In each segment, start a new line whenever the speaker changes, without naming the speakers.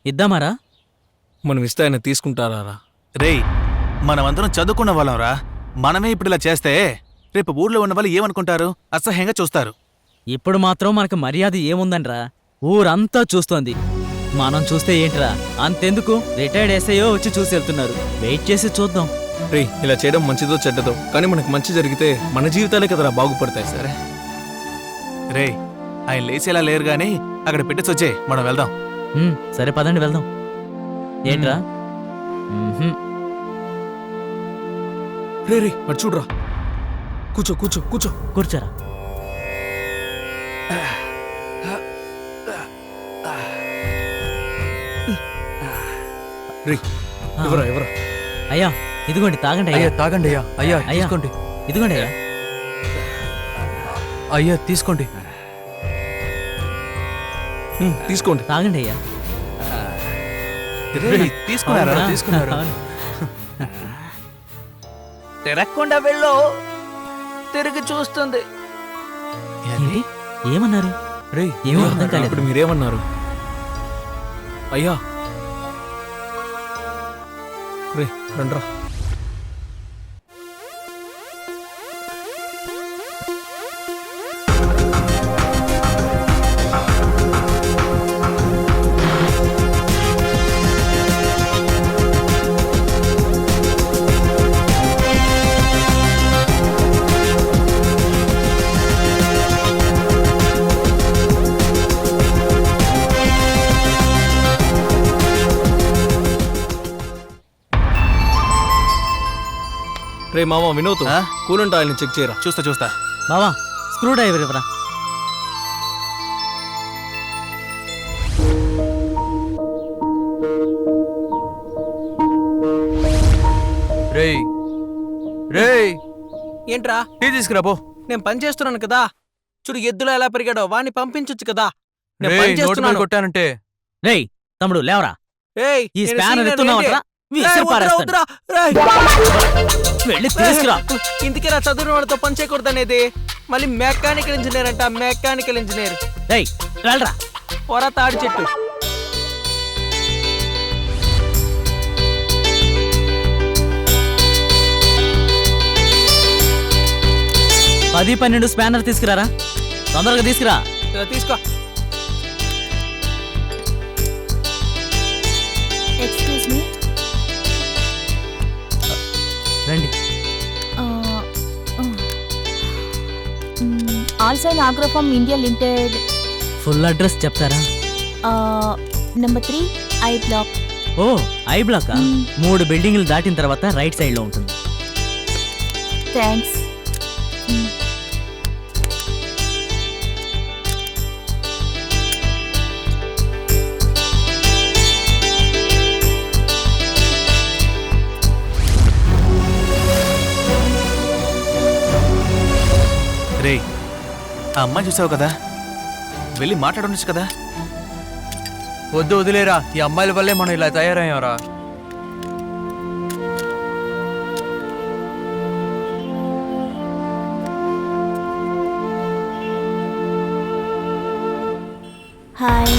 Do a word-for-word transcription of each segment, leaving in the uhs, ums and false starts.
ఇద్దామారా?
మనం ఇస్తే ఆయన తీసుకుంటారా?
రేయ్, మనమందరం చదువుకున్న వాళ్ళంరా. మనమే ఇప్పుడు ఇలా చేస్తే రేపు ఊర్లో ఉన్న వాళ్ళు ఏమనుకుంటారు? అసహ్యంగా చూస్తారు.
ఇప్పుడు మాత్రం మనకు మర్యాద ఏముందనరా? ఊరంతా చూస్తోంది. మనం చూస్తే ఏంట్రా? అంతెందుకు, రిటైర్డ్ ఎస్ఐయో వచ్చి చూసి వెళ్తున్నారు. వెయిట్ చేసి చూద్దాం.
రే, ఇలా చేయడం మంచిదో చెడ్డదో, కానీ మనకు మంచి జరిగితే మన జీవితాలే కదరా బాగుపడతాయి. సరే
రేయ్, ఆయన లేచేలా లేరు గాని అక్కడ పెట్టేసి వచ్చే, మనం వెళ్దాం.
ఉమ్, సరే పదండి వెళ్దాం. ఏంట్రా? ఉహుం.
రే రే అటు చూడరా. కూర్చో కూర్చో కూర్చో
కూర్చోరా.
రే, ఎవరా ఎవరా?
అయ్యా ఇదిగోండి, తాగండి
అయ్యా
అయ్యా.
తాగండి అయ్యా. అయ్యా
అయ్యా.
తీసుకోండి.
ఇదిగోండి అయ్యా.
అయ్యా తీసుకోండి.
ఉమ్, తీసుకోండి.
తాగండి అయ్యా.
రేయ్, తీసుకున్నారా?
అవునా?
తీసుకున్నారు.
అవును.
తిరగకుండా వెళ్ళు, తిరిగి చూస్తుంది.
ఏంటి? ఏమన్నారు?
రే
ఏమో అర్థం కాలేదు.
ఇప్పుడు మీరేమన్నారు? అయ్యా రే రండ్రా. రే మామ వినోద్,
ఆ?
కూలంట ఆయన చెక్ చేయరా.
చూస్తా చూస్తా.
బావా, స్క్రూ డ్రైవర్ ఇవ్వరా.
రేయ్ రేయ్
ఏంట్రా?
టీ తీసుకురా పో.
నేను పని చేస్తున్నాను కదా. చూడు ఎద్దులో ఎలా పెరిగాడో, వాణ్ణి పంపించొచ్చు కదా. నేను
రేయ్
పని
నోటి మీద
చేస్తున్నాను.
కొట్టానంటే
రేయ్ తమ్ముడు లేవరా.
ఏయ్,
ఈ
నేను
స్పానర్
సీనియర్
ఎత్తున్నావట్రా?
ఏంటి?
విసిరి
ఏయ్, వద్దురా,
పారేస్తాను.
వద్దురా, రేయ్.
వెళ్ళి తీసుకురా.
ఇందుకే నా చదువున వాడితో పని చేయకూడదు అనేది. మళ్ళీ మెకానికల్ ఇంజనీర్ అంట, మెకానికల్ ఇంజనీర్.
రేయ్ వెళ్ళరా.
పొర తాడి చెట్టు.
పది పన్నెండు స్పానర్ తీసుకురారా. తొందరగా తీసుకురా.
ఇలా తీసుకో.
Excuse me.
రండి.
ఆల్సైన్ agrofarm India limited,
full address చెప్తారా?
Number three I block.
Oh I block.
మ్మ్.
మూడు బిల్డింగ్లు దాటిన తర్వాత రైట్ సైడ్ లో ఉంటుంది.
థ్యాంక్స్.
రేయ్, ఆ అమ్మాయి చూసావు కదా, వెళ్ళి మాట్లాడొచ్చు కదా.
వద్దు వదిలేరా. ఈ అమ్మాయిల వల్లే మనం ఇలా తయారయ్యారా.
హాయ్.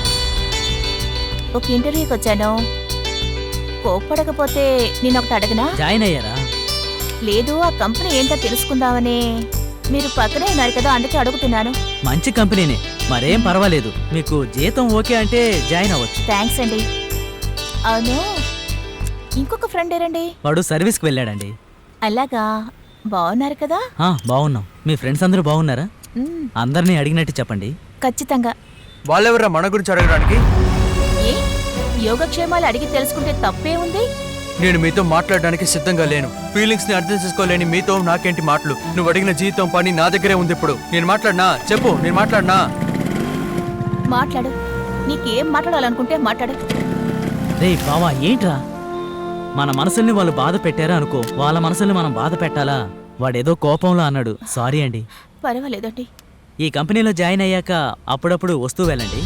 ఒక ఇంటర్వ్యూకి వచ్చాను. కోప్పడకపోతే నేను ఒకటి అడగనా?
జాయిన్ అయ్యారా?
లేదు, ఆ కంపెనీ ఏంటో తెలుసుకుందామని. మీరు పక్కనే ఉన్నారు కదా, అందుకే అడుగుతున్నాను.
మంచి కంపెనీనే, మరేం పర్వాలేదు. మీకు జీతం ఓకే అంటే జాయిన్ అవ్వచ్చు.
థ్యాంక్స్ అండి. అవును, ఇంకొక ఫ్రెండ్ ఏరండి?
వాడు సర్వీస్కి వెళ్ళాడండి.
అలాగా, బాగున్నారు కదా?
ఆ, బాగున్నాం. మీ ఫ్రెండ్స్ అందరూ బాగున్నారా?
మ్మ్,
అందరినీ అడిగినట్టు చెప్పండి.
ఖచ్చితంగా.
వాళ్ళెవరా మన గురించి అడగడానికి?
ఏ యోగక్షేమాలు అడిగి తెలుసుకుంటే తప్పే ఉంది?
నేను మీతో మాట్లాడడానికి సిద్ధంగా లేను. ఫీలింగ్స్ ని అర్థం చేసుకోలేని మీతో నాకేంటి మాటలు? నువ్వు అడిగిన జీతం పని నా దగ్గరే ఉంది. ఇప్పుడు నేను మాట్లాడినా చెప్పు. నేను మాట్లాడినా
మాట్లాడు. నీకేం మాట్లాడాలనుకుంటే మాట్లాడు.
రే బావా, ఏంట్రా? మన మనసుల్ని వాళ్ళు బాధ పెట్టారా అనుకో, వాళ్ళ మనసుల్ని మనం బాధ పెట్టాలా? వాడేదో కోపంలో అన్నాడు. సారీ అండి.
పర్వాలేదండి.
ఈ కంపెనీలో జాయిన్ అయ్యాక అప్పుడప్పుడు వస్తూ వెళ్ళండి.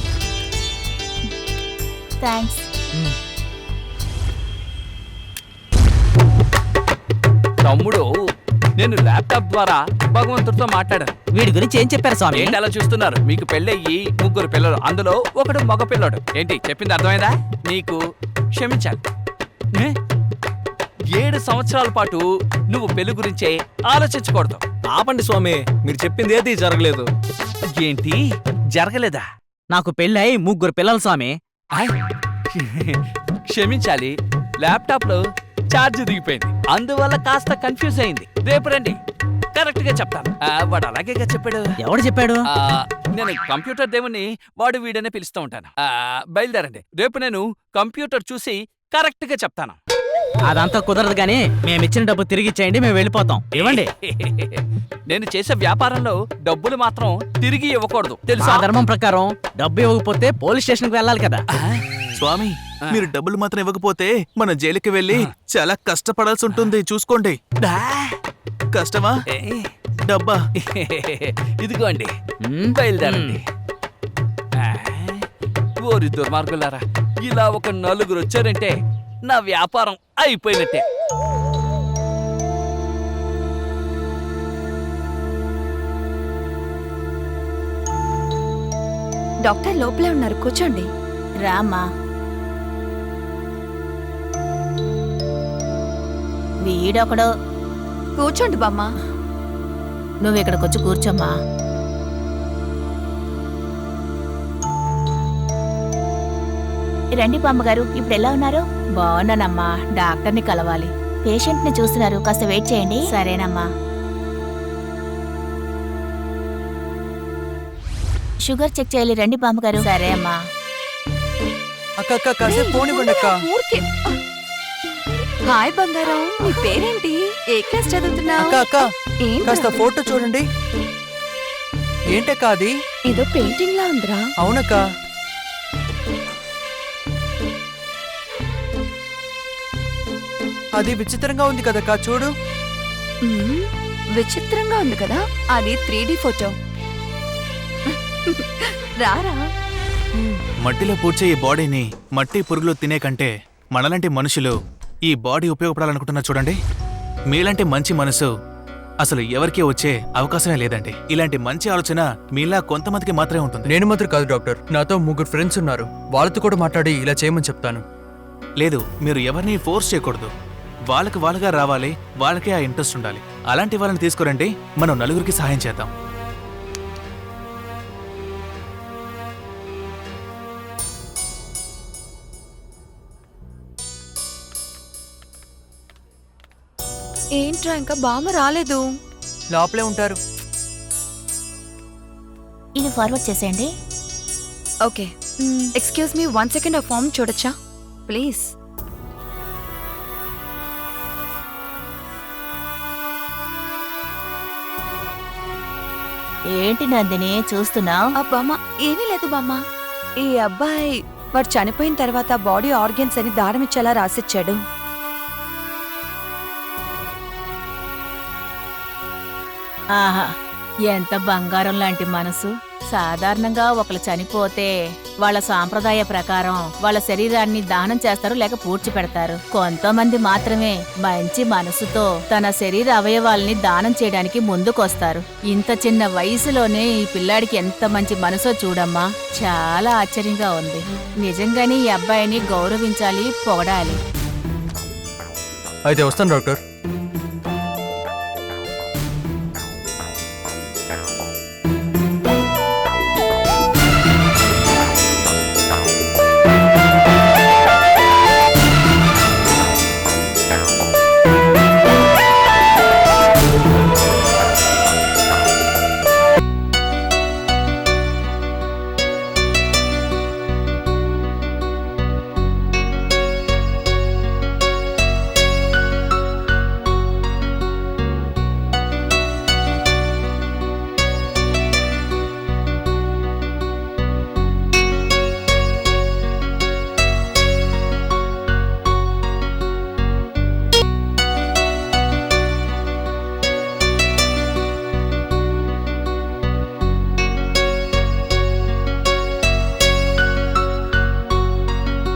థ్యాంక్స్.
మ్మ్.
తమ్ముడు నేను ల్యాప్టాప్ ద్వారా భగవంతుడితో మాట్లాడాను.
వీడి గురించి ఏం చెప్పారు స్వామి?
ఏంటి అలా చూస్తున్నారు? మీకు పెళ్ళయ్యి ముగ్గురు పిల్లలు, అందులో ఒకడు మగ పిల్లడు. ఏంటి చెప్పింది అర్థమైందా? నీకు క్షమించాలి. ఏ? ఏడు సంవత్సరాల పాటు నువ్వు పెళ్లి గురించే ఆలోచించకూడదు.
ఆపండి స్వామి, మీరు చెప్పింది ఏది జరగలేదు.
ఏంటి జరగలేదా?
నాకు పెళ్ళై ముగ్గురు పిల్లలు స్వామి.
ఆయ్. క్షమించాలి, ల్యాప్టాప్ లో ఛార్జ్ దిగిపోయింది, అందువల్ల కాస్త కన్ఫ్యూజ్ అయింది. రేపు రండి, కరెక్ట్ గా చెప్తాను. ఆ, వాడు అలాగేగా చెప్పాడు.
ఎవడు చెప్పాడు?
ఆ, నేను కంప్యూటర్ దేవుని వాడు వీడనే పిలుస్తూ ఉంటాను. ఆ, బయలుదేరండి, రేపు నేను కంప్యూటర్ చూసి కరెక్ట్ గా చెప్తాను.
అదంతా కుదరదు గానీ మేమిచ్చిన డబ్బు తిరిగి ఇచ్చేయండి, మేము వెళ్ళిపోతాం. ఇవ్వండి.
నేను చేసే వ్యాపారంలో డబ్బులు మాత్రం తిరిగి ఇవ్వకూడదు, తెలుసా?
ఆ ధర్మం ప్రకారం డబ్బు ఇవ్వకపోతే పోలీస్ స్టేషన్ కి వెళ్ళాలి కదా.
స్వామి, మీరు డబ్బులు మాత్రం ఇవ్వకపోతే మన జైలుకి వెళ్ళి చాలా కష్టపడాల్సి ఉంటుంది. చూసుకోండి.
డా.
కష్టమా
ఏ,
డబ్బా?
ఇదిగోండి,
మ్మ్.
బయలుదేరండి. ఆ, ఓరి దుర్మార్గులారా, ఇలా ఒక నలుగురు వచ్చారంటే నా వ్యాపారం అయిపోయినట్టే.
డాక్టర్ లోపలే ఉన్నారు, కూర్చోండి.
రామ్మా. వీడొకడు.
కూర్చోండి బామ్మ.
నువ్వు ఇక్కడికి వచ్చి కూర్చోమ్మా. రండి బామ్మగారు, ఇప్పుడు ఎలా ఉన్నారు? బాగున్నానమ్మా, డాక్టర్ని కలవాలి. పేషెంట్ ని చూస్తున్నారు, కాస్త వెయిట్ చేయండి. సరేనమ్మా. షుగర్ చెక్ చేయాలి, రండి బామ్మగారు. సరే అమ్మా.
అక్క అక్క కాసేపు పోనివ్వండి అక్క.
ఊరికే. హాయ్ బంగారం, నీ పేరేంటి? ఏ క్లాస్ చదువుతున్నావు?
అక్క అక్క కాస్త ఫోటో చూడండి. ఏంటక్క అది?
ఏదో పెయింటింగ్ లా ఉందిరా.
అవునక్క. అది విచిత్రంగా ఉంది కదక్క, చూడు.
మ్మ్, విచిత్రంగా ఉంది కదా. అది త్రీ డి ఫోటో. రారా.
మట్టిలో పూడ్చే ఈ బాడీని మట్టి పురుగులు తినే కంటే మనలాంటి మనుషులు ఈ బాడీ ఉపయోగపడాలనుకుంటున్నా చూడండి. మీలాంటి మంచి మనసు అసలు ఎవరికీ వచ్చే అవకాశమే లేదండి. ఇలాంటి మంచి ఆలోచన మీలా కొంతమందికి మాత్రమే ఉంటుంది.
నేను మాత్రం కాదు డాక్టర్, నాతో ముగ్గురు ఫ్రెండ్స్ ఉన్నారు, వాళ్ళతో కూడా మాట్లాడి ఇలా చేయమని చెప్తాను.
లేదు, మీరు ఎవరిని ఫోర్స్ చేయకూడదు. వాళ్ళకి వాళ్ళగా రావాలి, వాళ్ళకే ఆ ఇంట్రెస్ట్ ఉండాలి. అలాంటి వాళ్ళని తీసుకురండి, మనం నలుగురికి సహాయం చేద్దాం.
ఏంట్రా ఇంకా బామ్మ రాలేదు?
లోపలే ఉంటారు.
ఇది ఫార్వర్డ్ చేసేయండి.
Okay. Excuse me, one second ఆ ఫామ్ చూడొచ్చా ప్లీజ్?
ఏంటి నందిని చూస్తున్నావు?
ఆ బామ్మ ఏమీ లేదు బామ్మ. ఈ అబ్బాయి వాడు చనిపోయిన తర్వాత బాడీ ఆర్గన్స్ అని దారం ఇచ్చేలా రాసిచ్చాడు.
ఆహా, ఎంత బంగారం లాంటి మనసు. సాధారణంగా ఒకరు చనిపోతే వాళ్ళ సాంప్రదాయ ప్రకారం వాళ్ళ శరీరాన్ని దానం చేస్తారు, లేక పూడ్చి పెడతారు. కొంతమంది మాత్రమే మంచి మనసుతో తన శరీర అవయవాల్ని దానం చేయడానికి ముందుకొస్తారు. ఇంత చిన్న వయసులోనే ఈ పిల్లాడికి ఎంత మంచి మనసో చూడమ్మా, చాలా ఆశ్చర్యంగా ఉంది. నిజంగానే ఈ అబ్బాయిని గౌరవించాలి, పొగడాలి.
అయితే వస్తాను డాక్టర్.